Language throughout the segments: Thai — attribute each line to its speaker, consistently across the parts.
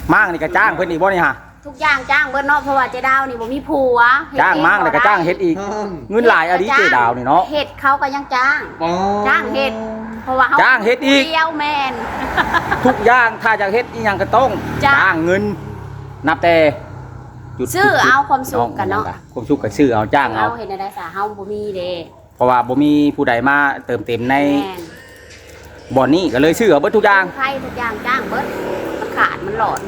Speaker 1: มั่งนี่ก็จ้างเพิ่นอีกบ่นี่ฮะ
Speaker 2: ทุกอย่างจ้างเบิดเนาะเพราะว่าเจดาวนี่บ่มีผัว
Speaker 1: จ้างมั่งแล้วก็จ้างเฮ็ดอีกเงินหลายอดีเจดาวนี่เนาะ
Speaker 2: เฮ็ดเขาก็ยังจ้างจ้างเฮ็ดเพราะว่าเขา
Speaker 1: จ้างเฮ็ดอีก
Speaker 2: เดียวแม่น
Speaker 1: ทุกอย่างถ้าจะเฮ็ดอีหยังก็ต้องจ้างเงินนับแต่
Speaker 2: ซื้อเอาความสุขกันเนาะ
Speaker 1: ความสุขก็ซื้อเอาจ้างเอา
Speaker 2: เฮ็ดได้ซะเฮาบ่มีเด้
Speaker 1: เพราะว่าบ่มีผู้ใดมาเติมเต็มในบ่อนนี้ก็เลยซื้อเอาเบิดทุกอย่าง
Speaker 2: ใครทุกอย่างจ้างเบิดมันขาดมันหลอน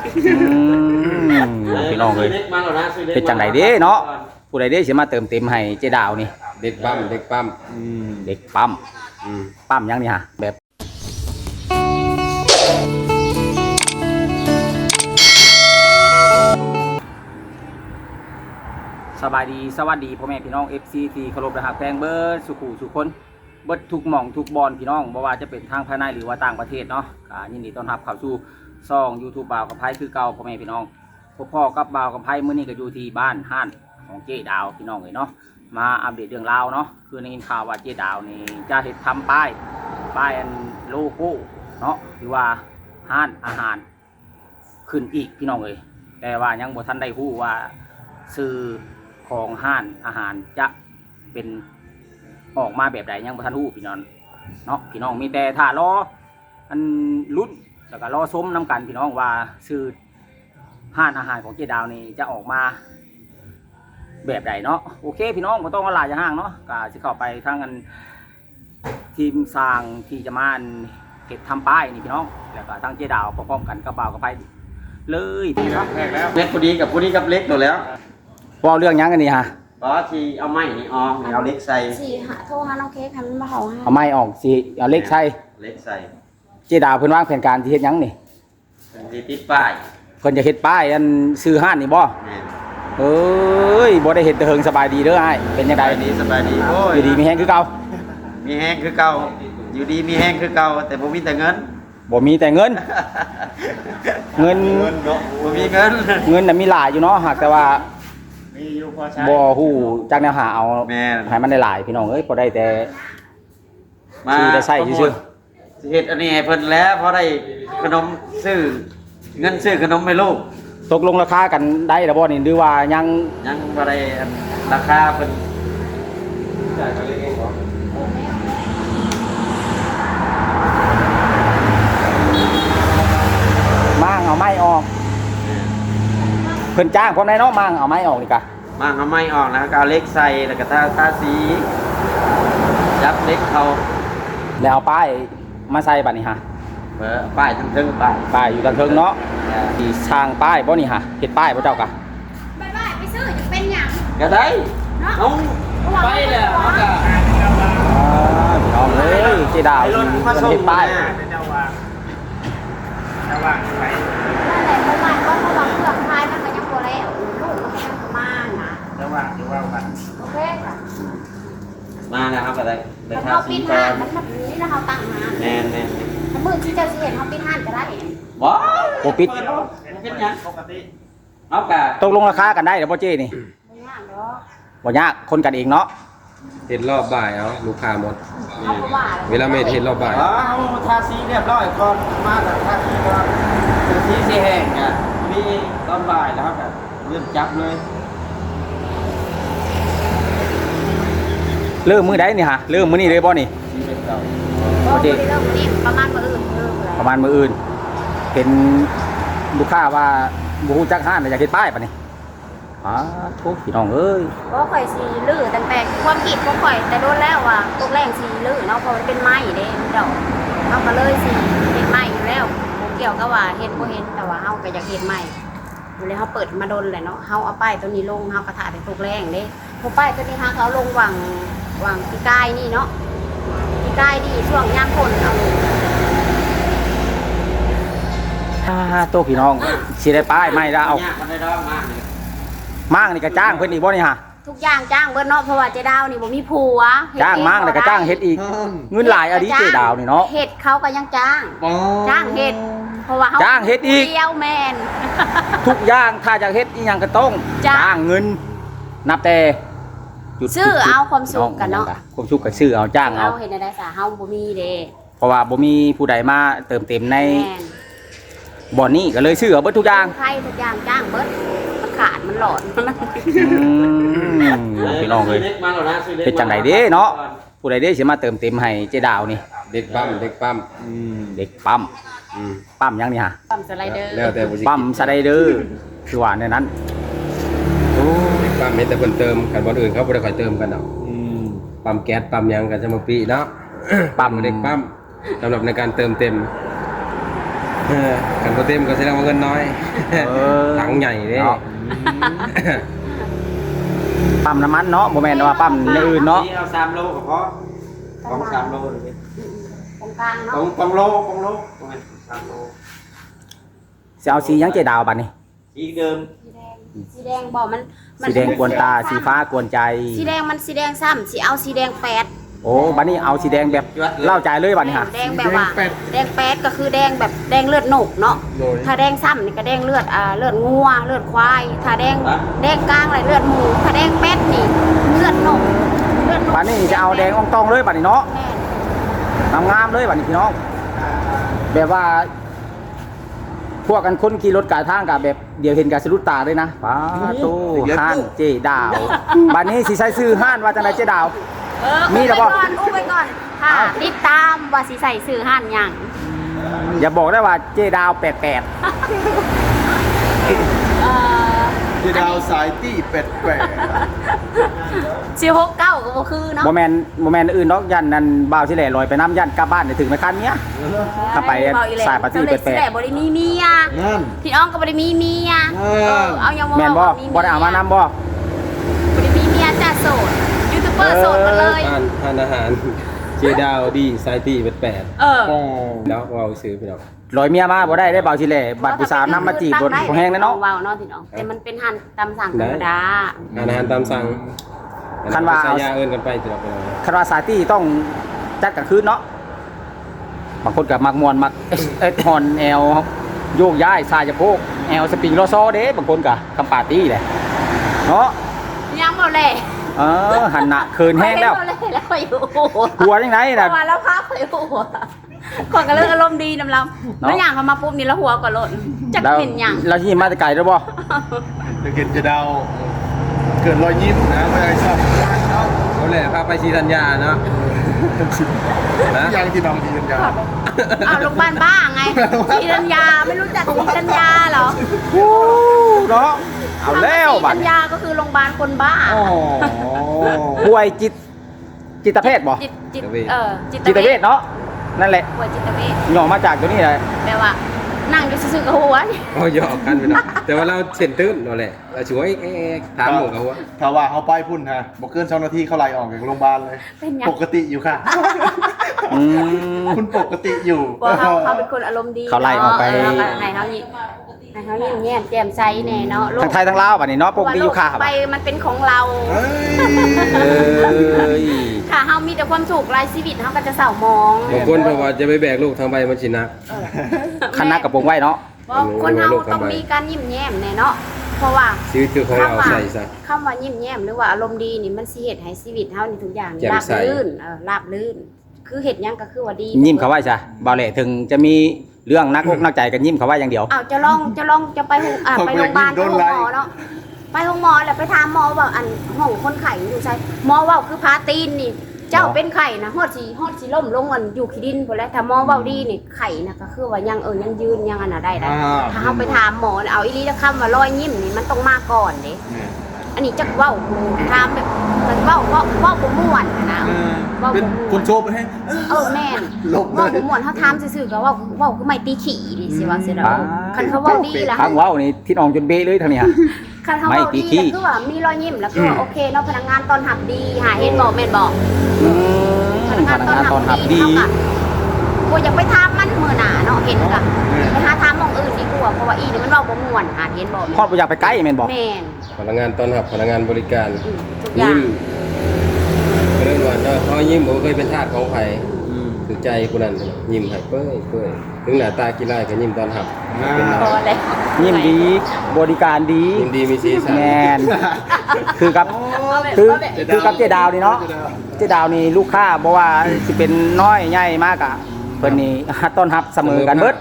Speaker 1: พี่น้องเอ้ยเป็นจังไดเด้เนาะผู้ใดเด้สิมาเติมเต็มให้เจดาวนี่
Speaker 3: เด็กปั๊มเด็กปั๊ม
Speaker 1: เด็กปั๊มปั๊มยังนี่ฮะแบบสบายดีสวัสดีพ่อแม่พี่น้อง FC ที่เคารพและฮักแพงเบิดสุขุสุคนเบิดทุกหม่องทุกบอลพี่น้องบ่ว่าจะเป็นทางภายในหรือว่าต่างประเทศเนาะยินดีต้อนรับเข้าสู่ช่อง YouTube บ่าวกับไผคือเก่าพ่อแม่พี่น้องพ่อกับบ่าวกับไผมื้อนี้ก็อยู่ที่บ้านห้านของเจ๊ดาวพี่น้องเอ้ยเนาะมาอัปเดตเรื่องราวเนาะคือในข่าวว่าเจ๊ดาวนี่จะเฮ็ดทำป้ายอันโลโก้เนาะหรือว่าห้านอาหารขึ้นอีกพี่น้องเอ้ยแต่ว่ายังบ่ทันได้ฮู้ว่าชื่อของห้านอาหารจะเป็นออกมาแบบใดยังบ่ทันรู้พี่น้องเนาะพี่น้องมีแต่ถ้ารออันลุ้นแล้วก็รอชมน้ำกันพี่น้องว่าชื่อห้านอาหารของเจ๊ดาวนี่จะออกมาแบบใดเนาะโอเคพี่น้องบ่ต้องว่าหลายอย่างห่างเนาะก็สิเข้าไปทางกันทีมสร้างที่จะมาเก็บทำป้ายนี่พี่น้องแล้วก็ทางเจ๊ดาวพร้อมๆกันกับบ่าวกับไปเลยพี่น้อง
Speaker 3: เล็กพอดีกับพอดีกับเล็กตัวแล้ว
Speaker 1: ว่าเรื่องยังกันนี่ฮะ
Speaker 3: บอสที่เอาไม้นี่ออกเอาเล็กใส่
Speaker 2: โทรหาน้องเค้กให้มันมาเฮาให้
Speaker 1: เอาไม้ออกสิเอาเล็กใส่
Speaker 3: เล็กใส่
Speaker 1: เจ๊ดาวเพิ่นวางแผนการที่เฮ็ดยังนี่
Speaker 3: ที่ติดป้าย
Speaker 1: เพิ่นจะเฮ็ดป้ายอันซื้อห้านนี่บ่เอ้ยบ่ได้เฮ็ดแต่เฮิงสบายดีเด้ออ้ายเป็นจังได๋
Speaker 3: สบายดีโอ้ย
Speaker 1: อยู่ดีมีแฮงคือเก่า
Speaker 3: มีแฮงคือเก่าอยู่ดีมีแฮงคือเก่าแต่บ่มีแต่เงิน
Speaker 1: บ่มีแต่เงินเงิน
Speaker 3: เนาะบ่มีเงิน
Speaker 1: น่ะมีหลายอยู่เนาะหากแต่ว่าบ่ฮู้จักแนวหาเอาให้มันได้หลายพี่น้องเอ้ยบ่ได้แต่ซื้อได้ใช้ซื่อ
Speaker 3: ๆเฮ็ดอันนี้ให้เพิ่นแล้วพอได้ขนมซื้อเงินซื้อขนมให้ลูก
Speaker 1: ตกลงราคากันได้แล้วบ่นี่หรือว่ายัง
Speaker 3: บ่ได้ราคาเพิ่นจ่ายกันเลยเองบ่
Speaker 1: มั่งเอาไม้ออกเพิ่นจ้างพร้อมได้เนาะมั่งเอาไม้ออกนี่กะ
Speaker 3: มั่งเอาไม้ออกแล้วก็เอาเล็กใส่แล้วก็ทาสียับเล็กเขา
Speaker 1: แล้วเอาป้ายมาใส่บัดนี้ฮะ
Speaker 3: ป้ายทั้งเทิง
Speaker 1: ป้ายอยู่ทางเทิงเนาะที่สร้างป้ายบ่นี่ฮะเฮ็ดป้ายบ่เจ้ากะ
Speaker 2: ป้ายไปซื้อจะเป็นหยัง
Speaker 3: ก็ได้เอาไปแล้วเฮาก็
Speaker 1: น้องเอ้ยเจ๊ดาวเพิ่นเฮ็ดป้าย
Speaker 2: แต่ว่าไปนั่นแหละเพราะว่าเครื่องพายมันก็ยังบ่แล้วลูกมันก็ยังมานะ
Speaker 3: แต่ว่ากัน
Speaker 2: โอเค
Speaker 3: มาแล้วครับก็ได้
Speaker 2: มันเฮาปิดห้านมันนี่นะเฮาตั้งห้าน
Speaker 3: แม่น
Speaker 2: ถ้ามื้อที่เจ้าสิเห็นเฮาปิดห้านก็ได้
Speaker 3: บ่
Speaker 1: บ่ปิด
Speaker 3: เป็นหยังปกติเฮาก็
Speaker 1: ตกลงราคากันได้เด้อบ่เจ๊นี่
Speaker 2: บ่ยากดอก
Speaker 1: บ่ยากคนกันเองเนาะ
Speaker 4: เห็ดรอบบ่ายเอาลูกค้าหมดเวลาเมทเห็ดรอบบ่าย
Speaker 3: ทาสีเรียบร้อยก่อนมาแต่ทาสีก่อนสีสีแห้งอ่ะมีตอนบ่ายแล้วครับเริ่มจับเลย
Speaker 1: เริ่มมื้อใดนี่ฮะเริ่มมื้อนี้เลยบ่นี่
Speaker 2: โอเคเริ่มนี้ประมาณมื้ออื่น
Speaker 1: เป็นลูกค้าว่าบ่ฮู้จักห้านอยากเฮ็ดป้ายปะนี่ทุกพี่น้องเอ้ย
Speaker 2: บ่ค่อยสิลื้อตั้งแต่ความคิดบ่ค่อยแต่โดนแล้วว่าตกแรงสิลื้อเนาะเพราะมันเป็นไม้เด้เจ้าเฮาก็เลยสิเฮ็ดไม้อยู่แล้วบ่เกี่ยวกับว่าเฮ็ดบ่เฮ็ดแต่ว่าเฮาก็อยากเฮ็ดไม้อยู่เลยเฮาเปิดมาดนแหละเนาะเฮาเอาป้ายตัวนี้ลงเฮาก็ถ่าแต่ตกแรงเด้พอป้ายตัวนี้เขาลงวางปีกายนี่เนาะปีกายนี่ช่วงยามฝนเอา
Speaker 1: โตพี่น้องสิได้ป้ายไม้แล้วเอามั่งนี่ก็จ้างเพิ่นอีกบ่นี่ฮะ
Speaker 2: ทุกอย่างจ้างเบิดเนาะเพราะว่าเจดาวนี่บ่มีผัว
Speaker 1: จ้างมั่งแล้วก็จ้างเฮ็ดอีกเงินหลายอดีเจดาวนี่เนาะ
Speaker 2: เฮ็ดเขาก็ยังจ้างเฮ็ดเพราะว่าเขา
Speaker 1: จ้างเฮ็ดอีก
Speaker 2: เดียวแม่น
Speaker 1: ทุกอย่างถ้าจะเฮ็ดอีหยังก็ต้องจ้างเงินนับแต่
Speaker 2: ซื้อเอาความสุขกันเนาะ
Speaker 1: ความสุขก็ซื้อเอาจ้างเอา
Speaker 2: เฮ็ดได้ซะเฮาบ่มีเด้
Speaker 1: เพราะว่าบ่มีผู้ใดมาเติมเต็มในบ่อนนี้ก็เลยซื้อเอาเบิดทุกอย่าง
Speaker 2: ไข่ทุกอย่างจ้างเบิดมันขาดมันหลอด
Speaker 1: พี่น้องเอ้ย
Speaker 3: มาแล้วนะซื้อล็ก
Speaker 1: เป็นจังไดเด้เนาะผู้ใดเด้สิมาเติมเต็มให้เจดาวนี่
Speaker 4: เด็กปั๊มเด็กปั๊ม
Speaker 1: เด็กปั๊ม
Speaker 4: อืม
Speaker 1: ปั๊มยังนี่ฮะ
Speaker 2: ปั๊มสไลเดอร์
Speaker 4: แล้วแต่บ่สิ
Speaker 1: ปั๊มสไลเดอร์คือว่าในนั้นโอ้
Speaker 4: เด็กปั๊มเห็นแต่เพิ่นเติมกันบ่อนอื่นเขาบ่ได้ค่อยเติมกันดอกปั๊มแก๊สปั๊มหยังกันซะมาปีเนาะ
Speaker 1: ปั๊ม
Speaker 4: เด็กปั๊มสำหรับในการเติมเต็มกันบ่เต็มก็แสดงว่าเงินน้อย ถังใหญ่เด้
Speaker 1: เนาะปั๊มน้ำมันเนาะบ่แม่นว่าปั๊มอย่างอื่นเนาะ
Speaker 3: เอา3โลก็พอของ3โลเลย
Speaker 2: ตรงกลางเนาะ
Speaker 3: ของโลของโลประมาณ3โล
Speaker 1: สิเอาสีหยังเจดาวบัดนี้
Speaker 3: อีกเดิม
Speaker 2: สีแดงบอกมัน
Speaker 1: สีแดงกวนตาสีฟ้ากวนใจ
Speaker 2: สีแดงมันสีแดงซ้ำสีเอาสีแดงแปด
Speaker 1: โอ้บัดนี้เอาสีแดงแบบเล่าใจเลยบัดนี้ฮะ
Speaker 2: แดงแบบว่าแดงแปดก็คือแดงแบบแดงเลือดหนกเนาะ
Speaker 4: โดย
Speaker 2: ถ้าแดงซ้ำนี่ก็แดงเลือดเลือดงัวเลือดควายถ้าแดงกลางอะไรเลือดหมูถ้าแดงแปดนี่เลือดหนกเลือดหนก
Speaker 1: บัดนี้จะเอาแดงอ่องตองเลยบัดนี้เนาะ
Speaker 2: แม่น
Speaker 1: งามๆเลยบัดนี้พี่น้องแบบว่า พวกกันคนขี่รถกายทางกับแบบเดี๋ยวเห็นกับสะดุดตาเลยนะป้าโตห้านเจดาวบัดนี้สิใช้ซื้อห้านว่าจังไดเจดาว มี
Speaker 2: มี
Speaker 1: แล้วบ่
Speaker 2: อุ้มไปก่อนค่ะ
Speaker 1: เอา
Speaker 2: ติดตามว่าสิใส่สื่อห่านหยัง
Speaker 1: อย่าบอกได้ว่าเจดาว88
Speaker 5: ที่ดาวสายตี้เป็ดแปะ
Speaker 2: สิ6 9ก็บ่คือเนาะ
Speaker 1: บ่แม่นอื่นเนาะยันนั่นบ่าวสิแหล่ลอยไปน้ำยันกลับบ้านได้ถึงไหมคันเนี้ย ถ้าไป
Speaker 2: เว้อีแล้ว
Speaker 1: สายปาร์ตี้
Speaker 2: เจ้
Speaker 1: แปลกๆ
Speaker 2: สิได้บ่ได้มีเมีย
Speaker 5: นั่น
Speaker 2: พี่น้องก็บ่ได้มีเมียเอายัง
Speaker 1: แม่นบ่บ่ได้เอามานำบ่
Speaker 2: บ่ได้มีเมียจ้าโสดยูทูบเบอร์โสดมาเลย
Speaker 4: ทานอาหารเจดาวดีไซตี้เป็น8
Speaker 2: เออ
Speaker 4: แล้วเอาซื้อไปดอก
Speaker 1: ลอยเมียมาบ่ได้บ่าวสิแหล่บัดผู้สาวนำมาจีบบ่แห้งแน่เนาะ
Speaker 2: ว้าวเนาะพี่น้องแต่มันเป็นหันตำสั่งธรรมดา
Speaker 4: อาหารตามสั่ง
Speaker 1: คันว่า
Speaker 4: ใส่ยาเอิ้นกันไปตลอดเวลา
Speaker 1: คาราซาตี้ต้องจัดกลางคืนเนาะบางคนกับมักมวนมักฮอนแอลโยกย้ายสายจะโพกแอลสปริงโลโซเด้บางคนกับคำปาร์ตี้แหละเนาะ
Speaker 2: ยังบ่แล
Speaker 1: หันหน้าคืนแห้งแล้ว
Speaker 2: บ่แล้วอยู่
Speaker 1: หัวยังไง
Speaker 2: แต่
Speaker 1: น่ะ
Speaker 2: ว่าแล้วพาไปหัวคนก็เลิกอารมณ์ดีนำเรา
Speaker 1: เนาะ
Speaker 2: แล้วอย่างเขามาปุ๊บนี่แล้วหัวก็หล่นจัก
Speaker 1: แล้ว
Speaker 2: เป็นหยัง
Speaker 1: เราที่มาแต่ไกลแล้วบ่
Speaker 5: จะเห็นจะดาวเกิดรอยยิ้มนะไม่ได้ชอบ
Speaker 4: เขาแหละพาไปชีธัญญาเนาะนะ
Speaker 5: ยังที่น้องทีกันยา
Speaker 2: เอาโรงพยาบาลบ้าไงศรีธัญญาไม่รู้จักศรีธัญญาเหรอ
Speaker 1: เนาะเอาแล้ว
Speaker 2: ศรี
Speaker 1: บั
Speaker 2: ธั
Speaker 1: ด
Speaker 2: ญญาก็คือโรงพยาบาลคนบ้า
Speaker 1: ป่วยจิตเภทบ่
Speaker 2: จิต
Speaker 1: จิตเภทเนาะนั่นแหละ
Speaker 2: ป่วยจิตเวช
Speaker 1: ย่อมาจากตัวนี้เลย
Speaker 2: แปลว่านั่งอยู่ซื่อๆกับหัวนี่
Speaker 4: โอ้ยออกกันไปหน่อยแต่ว่าเราเส้นตื้นนั่นแหละเราช่วยถามหมู่เขาว่า
Speaker 5: ถ้าว่าเอาไปพุ่นฮะบอกเกิน2 นาทีเขาไล่ออกจากโรงพยาบาลเลย
Speaker 2: เป็นหยัง
Speaker 5: ปกติอยู่ค่ะ
Speaker 1: อืม
Speaker 5: คุณปกติอยู่
Speaker 2: บอกเขาเป็นคนอารมณ์ดี
Speaker 1: เขาไล่ออกไป
Speaker 2: เนาะให้เขายิ้มแย้มแจ่มใสแน่เนาะโลก
Speaker 1: ทั้งไทยทั้งลาวบัดนี้เนาะปกติอยู่ค่ะ
Speaker 2: ไปมันเป็นของเรา
Speaker 5: เฮ้ย
Speaker 2: ค่ะเฮามีแต่ความสุขรายชีวิตเฮาก็จะเศร้ามอง
Speaker 4: บางคนเพราะว่าจะไปแบกลูกทางใบมันชินัก
Speaker 1: คณะกับวงไว้เนาะ
Speaker 2: ว่าคนเฮาต้องมีการยิ้มแย้มแน่เนาะเพราะว่า
Speaker 4: ชีวิตคือของเราใส่ซะ
Speaker 2: คำว่ายิ้มแย้มหรือว่าอารมณ์ดีนี่มันสิเฮ็ดให้ชีวิตเฮานี่ทุกอย่างนี่
Speaker 4: แจ่ม
Speaker 2: ราบ
Speaker 4: ใส
Speaker 2: รื่นราบรื่น คือเฮ็ดหยังก็คือว่าดี
Speaker 1: ยิ้มเขาไว้จ้ะบ่าวแหล่ถึงจะมีเรื่องนักอกนักใจกันยิ้มเขาไว้อย่างเดียว
Speaker 2: อ้าวจะลองจะไปไปโรงพยาบาลไปโรงหมอเนาะไปโรงหมอแล้วไปถามหมอว่าอันห้องคนไข้อยู่ไสหมอเว้าคือพาตีนนี่ เจ้าเป็นไข้นะฮอดสิล้มลงอันอยู่ขี้ดินพุ่นแหล้วถ้าหมอเว้าดีนี่ไข้น่ะก็คือว่ายังยังยืนยังอันน่ะได้ถ้าเฮาไปถามหมอเอาอีหลีแล้วคำว่ารอยยิ้มนี่มันต้องมาก่อนเด้อันนี้จักเว้าถามแบบมันเว้าบ่ม่วนนะเว้า
Speaker 5: เป็น
Speaker 2: บ่ม่
Speaker 5: ค
Speaker 2: วน
Speaker 5: นโชว์ไปให้
Speaker 2: แม่น
Speaker 5: ลบเลย
Speaker 2: เว้าบ่ม่วนเฮาถามซื่อๆก็เว้าคือไม่ตีขี้ดิสิว่าซื่อดอกคันเขาเว้าดีล่ะ
Speaker 1: ทางเว้านี่ทิศอองจนเบะเลยทางเนี้ย
Speaker 2: คันเขา
Speaker 1: ไม่
Speaker 2: เว้า
Speaker 1: ตี
Speaker 2: ดี
Speaker 1: ขี้
Speaker 2: แล้วคือว่ามีรอยยิ้มแล้วก็โอเคเนาะพนักงานต้อนรับดีหาเห็นบ่แม่นบ่
Speaker 1: พนักงานต้อนรับดี
Speaker 2: เท่ากับกูอยากไปถามมันมื้อหน้าเนาะเห็นกะไปหาถามหม่องอื่นดีกว่าเพราะว่าอีนี่มันเว้าบ่ม่วนหาเห็นบ่
Speaker 1: พอดบ่อยากไปใกล้แม่นบ่
Speaker 2: แม่น
Speaker 4: พนักงานต้อนรับพนักงานบริการ
Speaker 2: ทุกอย่า
Speaker 4: ยิ้
Speaker 2: ง
Speaker 4: มเรื่องว่าเขายิ้มผมเคยเป็นทาสของไผ่ถือใจกูนั่นยิ้มให้เป้ยถึงหน้าตาขี้ร้ายก็ยิ้มตอนหับเป็นน้
Speaker 2: พ
Speaker 4: อ
Speaker 2: อย แล้ว
Speaker 1: ยิ้มดีบริการดี
Speaker 4: ยิ้มดีมีสีสัน
Speaker 1: แมนคือกับคือกับเจดาวนี่เนาะเจดาวนี่ลูกค้าบ่ว่าสิเป็นน้อยใหญ่มากอะเพิ่นนี่ต้อนรับเสมอกันเบิด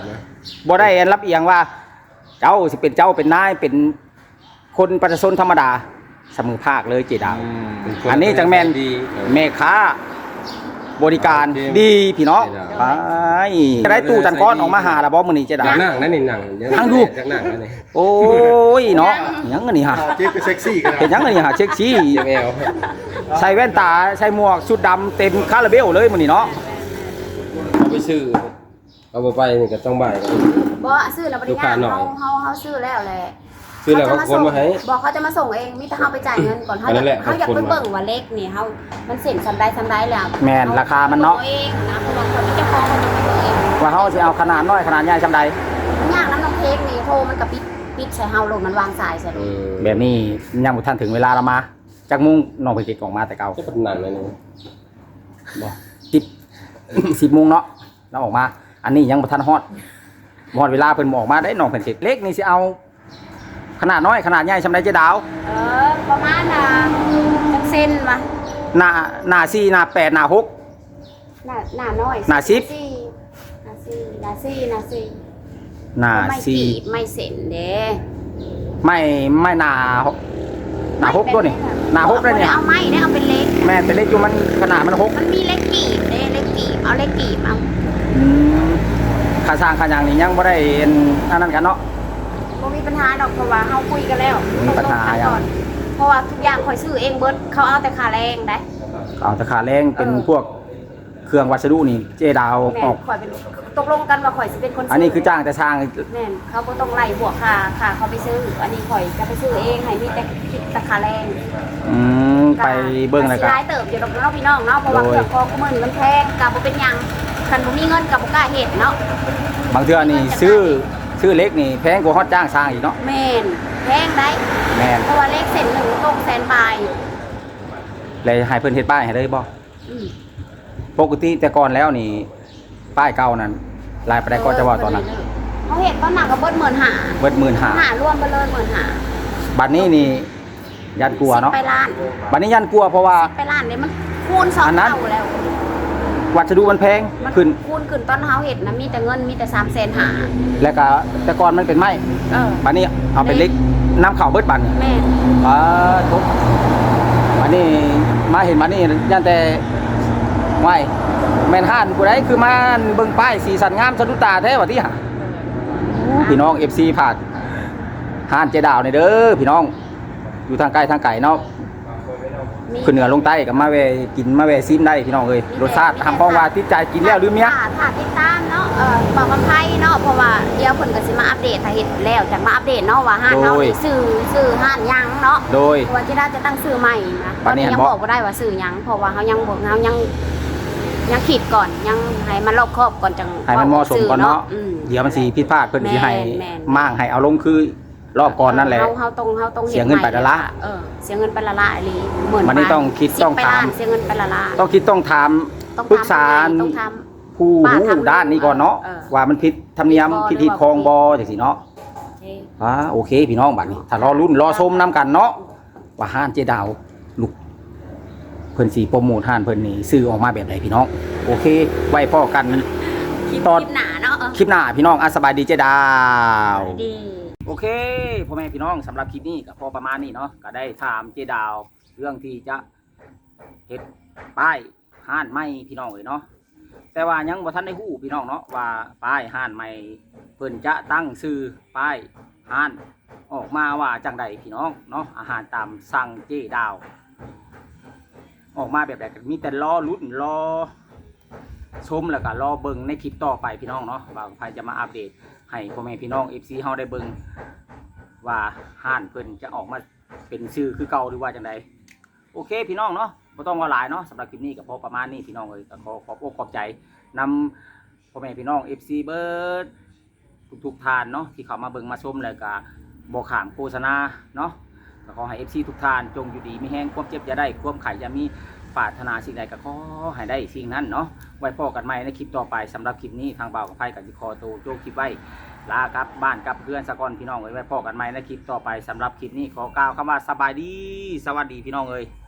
Speaker 1: บ่ได้รับเอียงว่า เจ้าสิเป็นเจ้าเป็นนายเป็นคนประชาชนธรรมดาเสมอภาคเลยเจดาว อันนี้จังแม่น
Speaker 4: ดี
Speaker 1: แม่ค้าบริการดีพี่น้องไปจะได้ตู้จันก้อนออกมาหาละบ่มื้อนี้เจดา
Speaker 4: อยากนั่งนั่นนี่นั่ง
Speaker 1: นั่งดู
Speaker 4: อยากนั่งนั่นนี่
Speaker 1: โอ้ยเนาะหยังอันนี้ฮะ
Speaker 5: เจ๊ก็เซ็กซี่กัน
Speaker 1: เป็นหยังอันนี้ฮะเช็คชี้
Speaker 4: เจ็บแอว
Speaker 1: ใส่แว่นตาใส่หมวกชุดดำเต็มคาราเบลเลยมื้อนี้เนาะ
Speaker 4: เอาไปซื้อเอาไปนี่ก็ต้องบ่ายกัน
Speaker 2: บ่ซื้อแล้วบ่ได้
Speaker 4: ลูกค้าหน่อย
Speaker 2: เฮาซื้อแล้วแหละ
Speaker 4: ซื้อแล้วเขาคนมาให้
Speaker 2: บอกเขาจะมาส่งเองมีแต่เฮาไปจ่ายเงินก่อน
Speaker 4: อันนั้นแหละ
Speaker 2: เขาอยาก
Speaker 4: เขา
Speaker 2: ไป
Speaker 4: คนมา
Speaker 2: เบิ่งว่าเล็กนี่เฮามันเส้นซันได้แล้ว
Speaker 1: แม่นราคามันเนาะ
Speaker 2: เองนะเพราะว่าคนเป็นเจ้าของเขาจะไปเบิ่งเอง
Speaker 1: ว่าเฮาสิเอาขนาดน้อยขนาดใหญ่ซำใด
Speaker 2: มันยากน้ำน้องเค้กนี่โทรมันก็ปิดใส่เฮาลงมันวางสายใส่ลง
Speaker 1: แบบนี้ยังบ่ทันถึงเวลาละมาจักมุงน้องไปเก็บออกมาแต่เก่า
Speaker 4: จะเป็นนั่นเลยนี่
Speaker 1: บ่10 โมงเนาะเราออกมา อันนี้ยังบ่ทันฮอดเวลาเพิ่นบ่ออกมาได้น้องเพิ่นสิเล็กนี่สิเอา ขนาดน้อยขนาดใหญ่ซำใดเจ๊ดาว
Speaker 2: ประมาณจังเส้นมา
Speaker 1: หน้า4หน้า8หน้า6
Speaker 2: หน้าน้อย
Speaker 1: หน้าสิบ
Speaker 2: หน้าสี่หน้าสี่
Speaker 1: หน้า
Speaker 2: ไม่กีบไม่เส้นเด้
Speaker 1: ไม่หน้า6ด้วยนี่หน้า6ด้วยนี่
Speaker 2: เอาไม้ได้เอาเป็นเล็ก
Speaker 1: แม่แต่เล็กอยู่มันขนาดมัน6
Speaker 2: มันมีเล็กกีบเด้เล็กกีบเอาเล็กกีบเอา
Speaker 1: ค่าสร้างค่าหยังนี่ยังบ่ได้อันนั้นกันเนาะ
Speaker 2: บ่มีปัญหาดอกเพราะว่าเฮาคุยกันแล้ว
Speaker 1: มีปัญหา
Speaker 2: ตกลงกันก่อนเพราะว่าทุกอย่างข่อยซื้อเองเบิดเขาเอาแต่ค่าแรงได้
Speaker 1: เอาแต่ค่าแรงเป็นพวกเครื่องวัสดุนี่เจ๊ดาว
Speaker 2: แม่
Speaker 1: ออก
Speaker 2: ข่อยเป็นตกลงกันว่าข่อยสิเป็นคนซื้
Speaker 1: อันนี้คือจ้างแต่สร้าง
Speaker 2: แม่นเขาบ่ต้องไล่บวกค่าเขาไปซื้อ อันนี้ข่อยจะไปซื้อเองให้มีแต่คิดแต่ค่าแรง
Speaker 1: ไปเบิ่งแล้ว
Speaker 2: สิ
Speaker 1: กัน
Speaker 2: รายเติบอยู่ดอกเนาะพี่น้องเนาะเพราะว่า
Speaker 1: โดย
Speaker 2: เครื่องคองมื้อนี้มันแพงก็บ่เป็นหยังคันบ่มีเงินก็บ่กล้าเฮ็ดเนาะ
Speaker 1: บางเทื่อนี่ซื้อเล็กนี่แพงกว่าฮอดจ้างสร้างอีกเนาะ
Speaker 2: แม่นแพงได้
Speaker 1: แม่น
Speaker 2: เพราะว่าเลขเส้นหนึ่งตกแสนปลาย
Speaker 1: เลยให้เพิ่นเฮ็ดป้ายให้เลยบ่
Speaker 2: อืม
Speaker 1: ปกติแต่ก่อนแล้วนี่ป้ายเก่านั้นลายไปได้ก็จะว่าตอนนั้น
Speaker 2: เขาเห็นตอนหนักก็เบิด15,000
Speaker 1: เบิด15,000
Speaker 2: หารวมไปเลย15,000
Speaker 1: บัดนี้นี่ยันกลัวเนาะ
Speaker 2: ไปล้าน
Speaker 1: บัดนี้ยันกลัวเพราะว่า
Speaker 2: ไปล้านเนี่ยมันคูณสอง
Speaker 1: อันนั้น
Speaker 2: เท่าแล้ว
Speaker 1: วัสดุมันแพง
Speaker 2: มัน
Speaker 1: ขึ้น
Speaker 2: คูณขึ้นตอนเฮาเห็ดนะมีแต่เงินมีแต่300,000
Speaker 1: แล้วก็แต่ก่อนมันเป็นไม้
Speaker 2: เออ
Speaker 1: บัดนี้เอาเป็นเหล็กน้ำเข่าเบิดบัดนี่
Speaker 2: แม่น
Speaker 1: ทุกบัดนี้มาเห็นบัดนี้ยันแต่ไว้แม่นห้านผู้ใดคือมาเบิ่งป้ายสีสันงามสะดุดตาแท้ว่าที่หาพี่น้อง FC ผาดห้านเจดาวนี่เด้อพี่น้องอยู่ทางใกล้ทางไกลเนาะ
Speaker 2: มี
Speaker 1: ขึ้นเหนือลงใต้กับมาแวะกินมาแวะซิมได้พี่น้องเอ้ยรสชาติทำพ้องว่าติดใจกินแล้วหรือเมีย
Speaker 2: ถ้าติดตามเนาะบอกกับไผเนาะเพราะว่าเดี๋ยวเพิ่นก็สิมาอัปเดตถ้าเฮ็ดแล้วจังมาอัปเดตเนาะว่าห้านเฮานี่ซื้อห้านหยังเนาะ
Speaker 1: โดย
Speaker 2: ว่าจะได้จะตั้งซื้อใหม่นะต
Speaker 1: บั
Speaker 2: อ
Speaker 1: ด
Speaker 2: น
Speaker 1: นี้
Speaker 2: นี้
Speaker 1: เห็น
Speaker 2: ยัง
Speaker 1: บ่
Speaker 2: บอกบ่ได้ว่าซื้อหยังเพราะว่าเฮายังบ่เฮายังคิดก่อนยังให้มันรอบคอบก่อนจัง
Speaker 1: ให้มันเหมาะสมก่อนเนาะ
Speaker 2: อืม
Speaker 1: เดี๋ยวมันสิผิดพลาดเพิ่นสิให้
Speaker 2: แม่น
Speaker 1: มั่างให้เอาลงคือรอบก่อนนั่นแหละ
Speaker 2: เฮาต้อง
Speaker 1: เสียเงินไปละละ
Speaker 2: เสียเงินไปละละอีหลีเหมือน
Speaker 1: วันนี้ต้องคิด
Speaker 2: 10
Speaker 1: ต้อง
Speaker 2: ไป
Speaker 1: ถาม
Speaker 2: ล้นเสียเงินไปละละ
Speaker 1: ต้องคิดต้องถาม
Speaker 2: ต้อง
Speaker 1: ปรึกษา
Speaker 2: ต้องท
Speaker 1: ผู้
Speaker 2: ป้า
Speaker 1: รู้
Speaker 2: ทำ
Speaker 1: ด้านนี้ก่อนเนาะ
Speaker 2: เออ
Speaker 1: ว่ามันผิดธรรมเนียม
Speaker 2: ผิ
Speaker 1: ผิ
Speaker 2: ด
Speaker 1: ด
Speaker 2: บ่
Speaker 1: คองบจังซี่เนาะ
Speaker 2: ำ
Speaker 1: โอเคพี่น้องบัดนี้ถ้ารอรุ่นรอชมนํกันเนาะว่าห้านเจดาวลูกเพิ่นสิโปรโมทห้านเพิ่นนี่ซื้อออกมาแบบใดพี่น้องโอเค ไว้พอกัน
Speaker 2: คลิป
Speaker 1: ตอน
Speaker 2: หนาเนาะ
Speaker 1: คลิปหน้าพี่น้องสบายดีเจดาว
Speaker 2: ดี
Speaker 1: โอเคพ่อแม่พี่น้องสำหรับคลิปนี้ก็พอประมาณนี้เนาะก็ได้ถามเจดาว เรื่องที่จะเฮ็ดป้ายห้านใหม่พี่น้องเลยเนาะแต่ว่ายังบ่ทันได้ฮู้พี่น้องเนาะว่าป้ายห้านใหม่เพิ่นจะตั้งชื่อป้ายห้านออกมาว่าจังใดพี่น้องเนาะอาหารตามสั่งเจดาว ออกมาแบบใดก็มีแต่รอลุ้นรอชมแล้วก็รอเบิ่งในคลิปต่อไปพี่น้องเนาะว่าใครจะมาอัปเดตให้พ่อแม่พี่น้อง FC เฮาได้เบิ่งว่าห้านเพิ่นจะออกมาเป็นชื่อคือเก่าหรือว่าจังใดโอเคพี่น้องเนาะบ่ต้องว่าหลายเนาะสำหรับคลิปนี้ก็พอประมาณนี้พี่น้องเอ้ยก็ขอบอกขอบใจนำพ่อแม่พี่น้อง FC เบิร์ดทุกๆท่านเนาะที่เข้ามาเบิ่งมาชมแล้วก็บ่ข้ามโฆษณาเนาะก็ขอให้ FC ทุกท่านจงอยู่ดีมีแห้งความเจ็บอย่าได้ความไข้อย่ามีปรารถนาสิ่งใดก็ขอให้ได้สิ่งนั้นเนาะไว้พบกันใหม่ในคลิปต่อไปสำหรับคลิปนี้ทางบ่าวกับไผกับสิขอตัวโจคลิปไว้ลากลับบ้านกลับเพื่อนสะก่อนพี่น้องเอ้ยไว้พบกันใหม่ในคลิปต่อไปสำหรับคลิปนี้ขอกล่าวคำว่าสบายดีสวัสดีพี่น้องเอ้ย